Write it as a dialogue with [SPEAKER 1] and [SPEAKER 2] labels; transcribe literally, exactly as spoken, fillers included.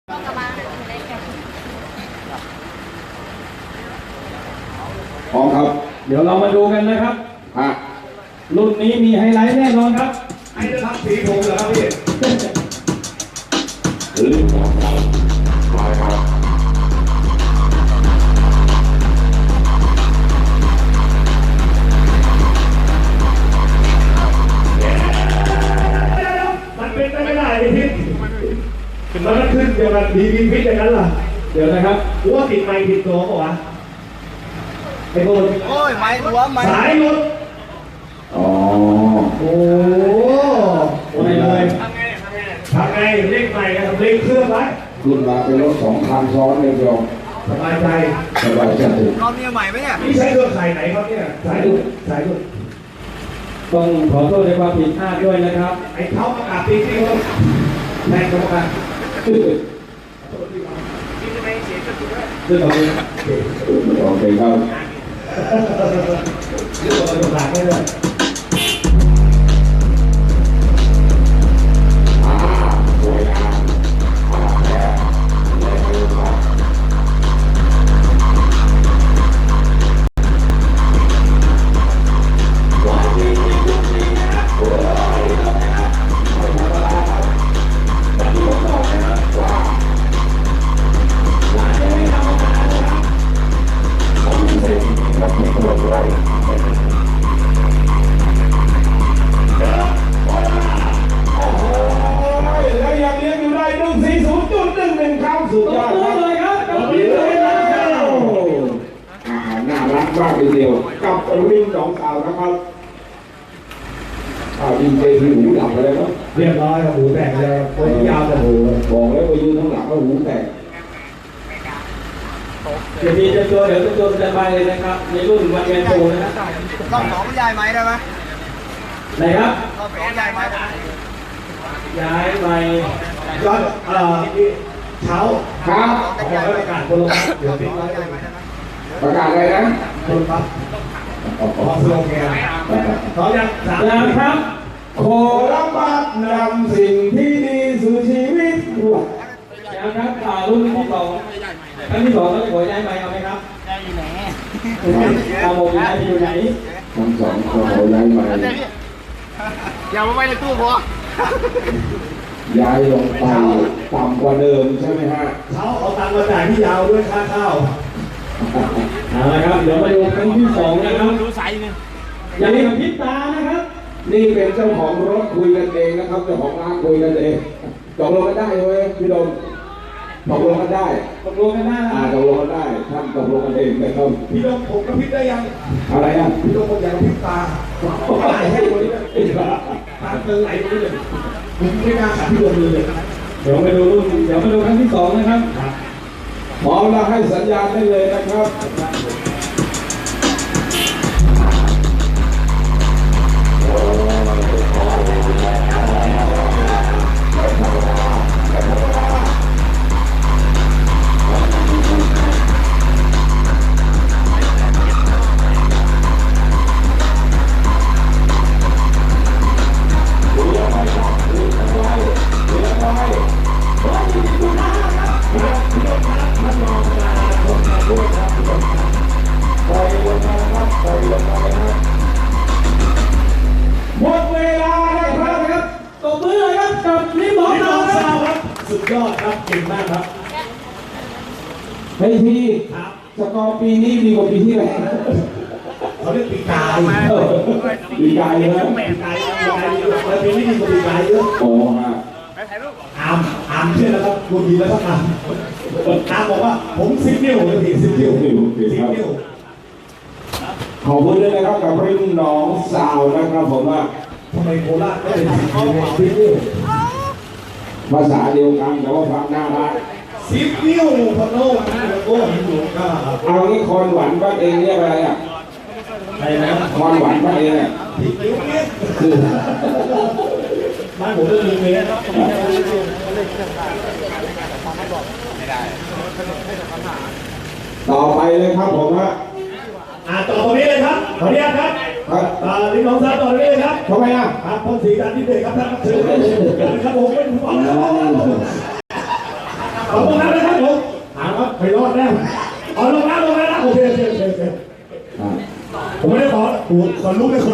[SPEAKER 1] พร้อมครับ
[SPEAKER 2] เดี๋ยวเรามาดูกันนะครับ
[SPEAKER 1] ฮะ
[SPEAKER 2] รุ่นนี้มีไฮไลท์แน่นอนครับ
[SPEAKER 3] ไอ้นะครับสีผมเหรอครับพี่
[SPEAKER 1] หรือมาครับ
[SPEAKER 3] มันเป็นไปไม่ได้ไอ้พิษมันก็ขึ้นเดียวกันมีมีพิษอย่างนั้นล่ะ
[SPEAKER 2] เดี๋ยวนะครับ
[SPEAKER 3] กูว่าติดไม้ผิดตัวเปล่าวะไอ้โบน
[SPEAKER 4] โอ้ยไม้หัวไม้
[SPEAKER 3] สายหลุด
[SPEAKER 1] อ๋อ
[SPEAKER 3] โอ้โหไม่เลยทำไงทำไงทำไงเล่นใหม่กันเล่นเครื่องไว้
[SPEAKER 1] ขึ้นมาเป็นรถสองคันซ้อนเลยเดียว
[SPEAKER 3] สบายใจ
[SPEAKER 1] สบายใจ
[SPEAKER 4] รอบนี้ใหม่ไหมเนี่ย
[SPEAKER 3] นี่ใช้เครื่องข่ายไหนครับเนี่ยสายดุสายดุ
[SPEAKER 2] ต้องขอโทษในความผิดพลาดด้วยนะครับ
[SPEAKER 3] ไอ้เขาประกาศตีที่เขาแทนกรรมการ
[SPEAKER 2] ซึ่งเราเป็น
[SPEAKER 1] โอเคครับ
[SPEAKER 3] เรื่องกรรมการไม่ได้
[SPEAKER 1] สุดยอดเลยครับกับวิ่งเลยแล้วอาหารน่ารักมากทีเดียวกับวิ่งสองสาวนะครับอ้าวดีเจที่หูดับไปแล้วเนาะ
[SPEAKER 3] เรียบร้อยครับหูแตกเลยตัวยาวแต่หู
[SPEAKER 1] บอกแล้วไปยืนข้างหลังก็หูแตก
[SPEAKER 2] เดี๋ยวมีจะตัวเดี๋ยวจะตัวสบายเลยนะครับในรุ่นวันแมนโตนะครับ
[SPEAKER 4] รอบสองย้ายไม้ได้ไหม
[SPEAKER 2] ไหนครับ
[SPEAKER 4] รอบสองย้ายไม้ได้
[SPEAKER 2] ย้ายไป
[SPEAKER 3] ย้อนเอ่อเช้า
[SPEAKER 1] ครับ
[SPEAKER 3] ประกาศคนลงเดี๋ยวทิ้งไว้
[SPEAKER 1] ประกาศอะไรนะ
[SPEAKER 3] คนปั๊บออกสโลแกนเขายังสาม
[SPEAKER 2] แล้วครับ
[SPEAKER 1] ขอรับบัตรนำสิ่งที่ดีสู่ชีวิต
[SPEAKER 2] ยังครับข่าวรุ่นที่สองครั้งที่สองต้องขอย้ายไปเอาไหมครับ
[SPEAKER 4] ย้ายอยู่ไหน
[SPEAKER 2] เอาโมย้ายไปอยู่ไหน
[SPEAKER 1] ทั้งสองขอย้ายไป
[SPEAKER 4] อย่ามาไว้ในตู้พอ
[SPEAKER 1] ย้ายลงไปต่ำกว่าเดิมใช่ไหมฮะ
[SPEAKER 3] เขาเอาตังค์มาจ่ายที่ยาวด้วยค่าข้าว
[SPEAKER 2] เอาละครับเดี๋ยวมาดูครั้งที่สองนะครับ
[SPEAKER 4] ดูสายนึง
[SPEAKER 2] อย่าลืมพิษตานะครับ
[SPEAKER 1] นี่เป็นเจ้าของรถคุยกันเองนะครับเจ้าของร้านคุยกันเองตกลงกันได้ไหมพี่ดมตกลงกันได้
[SPEAKER 2] ตกลงกันได้
[SPEAKER 1] อ่าตกลงกันได้ท่านตกลงกันเองนะครับ
[SPEAKER 3] พี่ดมผมกับพิษได้ยัง
[SPEAKER 1] อะไรอ่ะ
[SPEAKER 3] พี่ดมผมอยากพิษตาไหลให้ดูนี่ตาเติมไหลดูเลยผมไม่กล้าขัดพี่ดมเลย
[SPEAKER 2] เดี๋ยวมาดูรุ่นเดี๋ยวมาดูครั้งที่สองนะครับ
[SPEAKER 1] พร้อมแล้วให้สัญญาณได้เลยนะครับหมดเวลาแล้วครับ
[SPEAKER 2] ตบมือเลยครับกับนิมนต์
[SPEAKER 3] ครับสุดยอดครับเก่งมากครับ
[SPEAKER 1] เฮ้ยพี่สกอร์ปีนี้ดีกว่าปีที่แล้ว
[SPEAKER 3] เขาเรียกปีกาย
[SPEAKER 1] ปีกายนะ
[SPEAKER 3] ปีกายปีกายแล้วปีนี้ดีกว่าปีกายเยอะ
[SPEAKER 1] โอ้ฮะ
[SPEAKER 3] อามอามเชื่อแล้วครับกูดีแล้วครับอามอามบอกว่าผมสิบนิ้วเลยพี่สิบนิ้วสิบนิ้ว
[SPEAKER 1] ขอบคุณด้วยนะครับกับริมน้องสาวนะครับผมว่า
[SPEAKER 3] ทำไมโคราชไม่เป็นสิบนิ้ว
[SPEAKER 1] ภาษาเดียวกันแต่ว่าฟังน่ารัก
[SPEAKER 3] สิบนิ้วพะโล้โอ้หินหลวงก็
[SPEAKER 1] เอางี้คอนหวานบ้านเองเรียกอะไรอ่ะ
[SPEAKER 3] อะไรนะ
[SPEAKER 1] คอนหวานบ้านเองอ่ะ
[SPEAKER 3] สิบนิ้วเนี่ยบ้านผมก็มีเมตร
[SPEAKER 1] ต่อไปเลยครับผมฮะ
[SPEAKER 3] อ่าต่อตรงนี้เลยครับขออนุญาตครับ
[SPEAKER 1] ครับ
[SPEAKER 3] อ่าลิ้นน้องสาวต่อตรงนี้เลยครับ
[SPEAKER 1] ทำไมอ่ะ
[SPEAKER 3] ครับพ่นสีการที่เด็กครับท่านเชิญเลยครับผมเป็นผู้ฟังครับขอบคุณครับนะครับผมถามว่าไปรอดแน่อ๋อลงแล้วลงแล้วนะโอเคโอเคโอเคผมไม่ได้ขอขอรู้เลยคน